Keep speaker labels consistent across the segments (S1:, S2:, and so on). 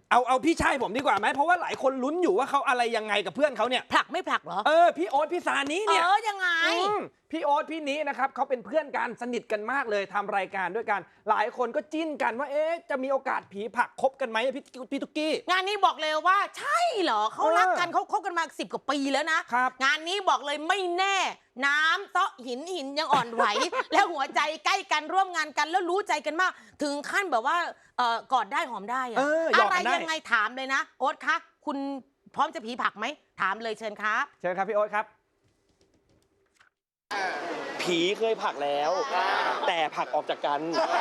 S1: เอาพี่ชายผมดีกว่าไหมเพราะว่าหลายคนลุ้นอยู่ว่าเขาอะไรยังไงกับเพื่อนเขาเนี่ย
S2: ผลักไม่ผลักเหรอ
S1: พี่โอ๊ตพี่ซานิเนี่ย
S2: ยังไง
S1: พี่โอ๊ตพี่นี้นะครับเขาเป็นเพื่อนกันสนิทกันมากเลยทำรายการด้วยกันหลายคนก็จิ้นกันว่าจะมีโอกาสผีผลักคบกันไหมพี่ตุ๊กกี้
S2: งานนี้บอกเลยว่าใช่เหรอเขารักกันเขาคบกันมา10 กว่าปีแล้วนะครับงานนี้บอกเลยไม่แน่น้ำเซาะหินยังอ่อนไหว แล้วหัวใจใกล้กันร่วมงานกันแล้วรู้ใจกันมากถึงขั้นแบบว่ากอดได้หอมได้อะไรยังไงถามเลยนะโอ๊ตคะคุณพร้อมจะผีผลักไหมถามเลยเชิญครับ
S1: เชิญครับพี่โอ๊ตครับ
S3: ผีเคยผลักแล้วแต่ผลักออกจากกัน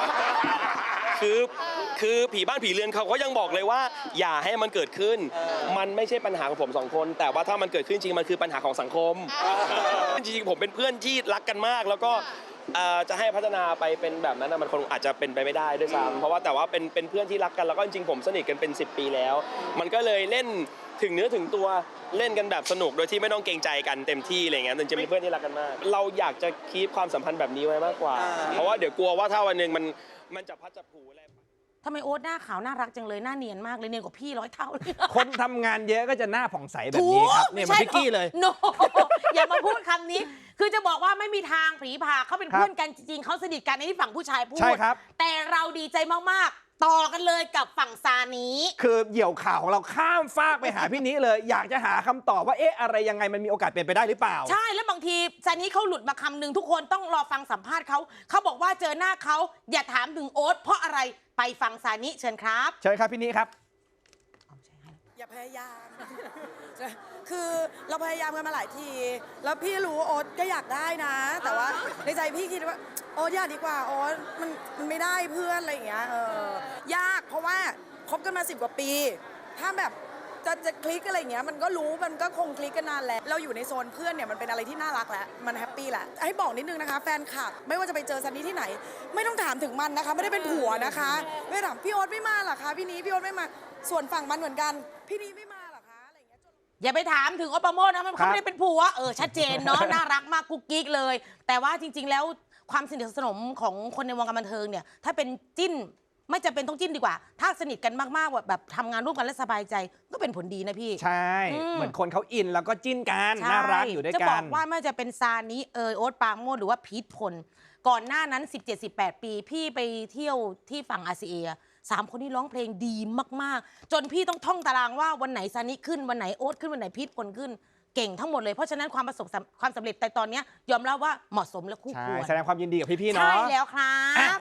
S3: คือผีบ้านผีเรือนเขาก็ยังบอกเลยว่าอย่าให้มันเกิดขึ้นมันไม่ใช่ปัญหาของผม2 คนแต่ว่าถ้ามันเกิดขึ้นจริงมันคือปัญหาของสังคมจริงๆผมเป็นเพื่อนที่รักกันมากแล้วก็จะให้พัฒนาไปเป็นแบบนั้นมันคงอาจจะเป็นไปไม่ได้ด้วยซ้ำเพราะว่าแต่ว่าเป็นเพื่อนที่รักกันแล้วก็จริงๆผมสนิทกันเป็น10 ปีแล้วมันก็เลยเล่นถึงเนื้อถึงตัวเล่นกันแบบสนุกโดยที่ไม่ต้องเกรงใจกันเต็มที่อะไรเงี้ยจะมีเพื่อนที่รักกันมากเราอยากจะคีปความสัมพันธ์แบบนี้ไว้มากกว่าเพราะว่าเดี๋ยวกลัวว่าถ้าวันหนึ่งมันจะพัดจะผูอะไร
S2: ทำไมโอ๊ตหน้าขาวน่ารักจังเลยหน้าเนียนมากเลยเนียนกว่าพี่100 เท่าเลย
S1: คนทำงานเยอะก็จะหน้าผ่องใสแบบนี้ครับเนี่ยมันพี่กี้เลย
S2: โนอย่ามาพูดคำนี้คือจะบอกว่าไม่มีทางผีผาเขาเป็นเพื่อนกันจริงๆเขาสนิทกันในที่ฝั่งผู้ชายพูด
S1: ใช่ครับ
S2: แต่เราดีใจมากๆต่อกันเลยกับฝั่งซานิ
S1: คือเหยี่ยวข่าวของเราข้ามฟากไปหาพี่นี้เลยอยากจะหาคำตอบว่าอะไรยังไงมันมีโอกาสเป็นไปได้หรือเปล่า
S2: ใช่แล้วบางทีซานิเขาหลุดมาคำหนึ่งทุกคนต้องรอฟังสัมภาษณ์เขาบอกว่าเจอหน้าเขาอย่าถามถึงโอ๊ตเพราะอะไรไปฟังซานิเชิญครับ
S1: เชิญครับพี่นี้ครับ
S4: อย่าพยายาม คือเราพยายามกันมาหลายที แล้วพี่รู้โอ๊ตก็อยากได้นะ แต่ว่าในใจพี่คิดว่าโอ๊ตอยากดีกว่าโอ๊ตมันไม่ได้เพื่อนอะไรอย่างเงี้ยยากเพราะว่าคบกันมา10 กว่าปี ถ้าแบบจะคลิกอะไรอย่างเงี้ยมันก็รู้มันก็คงคลิกกันนานแล้วเราอยู่ในโซนเพื่อนเนี่ยมันเป็นอะไรที่น่ารักแล้วมันแฮปปี้แหละให้บอกนิดนึงนะคะแฟนคลับไม่ว่าจะไปเจอซันนี่ที่ไหนไม่ต้องถามถึงมันนะคะไม่ได้เป็นผัวนะคะไม่ถามพี่โอ๊ตไม่มาหรอคะพี่นี้พี่โอ๊ตไม่มาส่วนฝั่งมันเหมือนกันพี่นี้ไม่มาหรอคะอะไรอย่างเงี้ย
S2: อย่าไปถามถึงโอ๊ตปราโมชนะเขาไม่ได้เป็นผัวชัดเจนเนาะน่ารักมากกุ๊กกิ๊กเลยแต่ว่าจริงๆแล้วความสนิทสนมของคนในวงการบันเทิงเนี่ยถ้าเป็นจิ้นไม่จำเป็นต้องจิ้นดีกว่าถ้าสนิทกันมากๆแบบทำงานร่วมกันและสบายใจก็เป็นผลดีนะพี่
S1: ใช่เหมือนคนเขาอินแล้วก็จิ้นกันน่ารักอยู่ด้วยกัน
S2: จะบอกว่าไม่จะเป็นซานิโอ๊ตปราโมชหรือว่าพีทพลก่อนหน้านั้น17-18 ปีพี่ไปเที่ยวที่ฝั่งอาเซีย3 คนนี้ร้องเพลงดีมากๆจนพี่ต้องท่องตารางว่าวันไหนซานิขึ้นวันไหนโอ๊ตขึ้นวันไหนพีทพลขึ้นเก่งทั้งหมดเลยเพราะฉะนั้นความสำเร็จแต่ตอนนี้ยอมรับว่าเหมาะสมและคู่ควร
S1: แสดงความยินดีกับพี่ๆเนาะ
S2: ใช่แล้วครับ